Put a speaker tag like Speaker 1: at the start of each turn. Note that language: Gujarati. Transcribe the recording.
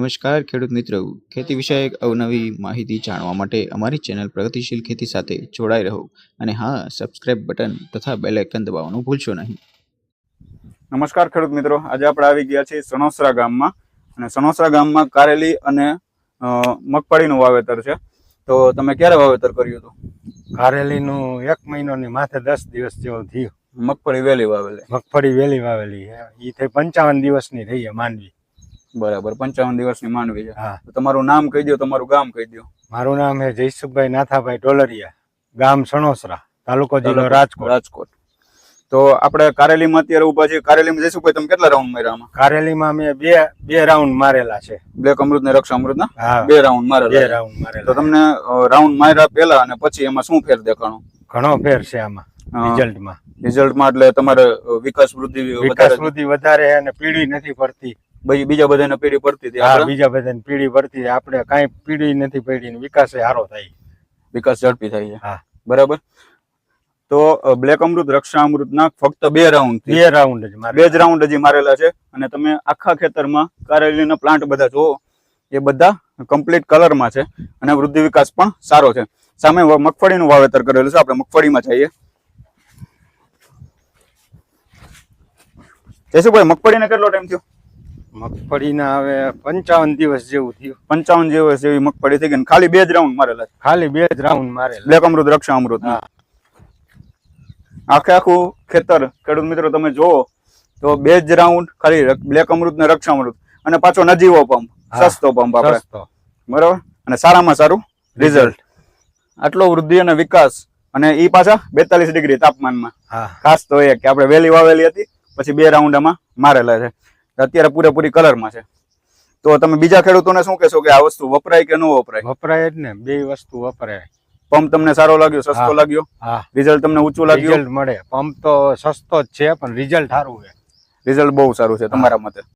Speaker 1: નમસ્કાર ખેડૂત મિત્રો, ખેતી વિષયક અવનવી માહિતી જાણવા માટે અમારી ચેનલ પ્રગતિશીલ ખેતી સાથે જોડાઈ રહો અને હા, સબસ્ક્રાઇબ બટન તથા બેલ આઇકન દબાવવાનું ભૂલશો નહીં.
Speaker 2: નમસ્કાર ખેડૂત મિત્રો, આજે આપણે આવી ગયા છીએ સણોસરા ગામમાં અને સણોસરા ગામમાં કારેલી અને મગફળીનું વાવેતર છે. તો તમે ક્યારે વાવેતર કર્યું હતું?
Speaker 3: કારેલીનું 1 મહિનાની માથે 10 દિવસ જેવું થયું.
Speaker 2: મગફળી વહેલી વાવેલી?
Speaker 3: મગફળી વહેલી વાવેલી એ થઈ 55 દિવસની થઈ છે માંડવી.
Speaker 2: બરાબર, 55 દિવસની માંડવી છે.
Speaker 3: હા.
Speaker 2: તમારું નામ કહી દો, તમારું ગામ કહી દો.
Speaker 3: મારું નામ છે જયસુખભાઈ નાથાભાઈ ડોલરિયા, ગામ સણોસરા, તાલુકો જિલ્લો રાજકોટ.
Speaker 2: તો આપણે કારેલીમાં અત્યારે ઉભા છીએ. કારેલીમાં જયસુખભાઈ તમે કેટલા રાઉન્ડ માર્યા?
Speaker 3: કારેલીમાં મેં બે રાઉન્ડ મારેલા છે.
Speaker 2: બ્લેક અમૃત ને રક્ષા અમૃત ના?
Speaker 3: હા,
Speaker 2: 2 રાઉન્ડ મારેલા.
Speaker 3: 2 રાઉન્ડ મારેલા.
Speaker 2: તો તમને રાઉન્ડ માર્યા પહેલા અને પછી એમાં શું ફેર દેખાણો?
Speaker 3: ઘણો ફેર છે આમાં રિઝલ્ટમાં.
Speaker 2: એટલે તમારે વિકાસ વૃદ્ધિ
Speaker 3: વધારે અને પીળી નથી પડતી.
Speaker 2: બીજા બધાને પીળી પડતી હતી?
Speaker 3: હા, બીજા બધાને પીળી પડતી. આપણે કાંઈ પીળી નથી પડી ને વિકાસ સારો થાય,
Speaker 2: વિકાસ ઝડપી થાય છે.
Speaker 3: હા,
Speaker 2: બરાબર. તો બ્લેક અમૃત રક્ષા અમૃત ના ફક્ત 2 રાઉન્ડ જ રાઉન્ડ હજી મારેલા છે અને તમે આખા ખેતરમાં કારેલીના પ્લાન્ટ બધા જોવો, એ બધા કમ્પ્લીટ કલરમાં છે અને વૃદ્ધિ વિકાસ પણ સારો છે. સામે મગફળીનું વાવેતર કરેલું છે. આપણે મગફળીમાં જઈએ. જયસુખભાઈ, મગફળીને કેટલો ટાઈમ થયો?
Speaker 3: મગફળીના હવે 55 દિવસ જેવું થયું.
Speaker 2: 55 દિવસ જેવી મગફળી થઈ ગઈ. ખાલી 2 જ રાઉન્ડ મારેલા?
Speaker 3: ખાલી 2 જ રાઉન્ડ મારેલા.
Speaker 2: બ્લેક અમૃત રક્ષા અમૃત. આખું ખેતર ખેડૂત મિત્રો તમે જોવો તો 2 જ રાઉન્ડ ખાલી બ્લેક અમૃત ને રક્ષા અમૃત અને પાછો નજીવો પંપ, સસ્તો પંપ આપણે, બરાબર, અને સારામાં સારું રિઝલ્ટ. આટલો વૃદ્ધિ અને વિકાસ અને ઈ પાછા 42 ડિગ્રી તાપમાનમાં. ખાસ તો એ કે આપણે વહેલી વાવેલી હતી, પછી 2 રાઉન્ડ આમાં મારેલા છે, અત્યારે પૂરેપૂરી કલરમાં છે. તો તમે બીજા ખેડૂતોને શું કહેશો કે આ વસ્તુ વપરાય કે ન વપરાય?
Speaker 3: વપરાય જ ને, 2 વસ્તુ વપરાય.
Speaker 2: પંપ તમને સારો લાગ્યો, સસ્તો લાગ્યો?
Speaker 3: હા.
Speaker 2: રિઝલ્ટ તમને ઊંચું લાગ્યું?
Speaker 3: રિઝલ્ટ મળે. પંપ તો સસ્તો જ છે પણ રિઝલ્ટ સારું છે.
Speaker 2: રિઝલ્ટ બહુ સારું છે તમારા મતે?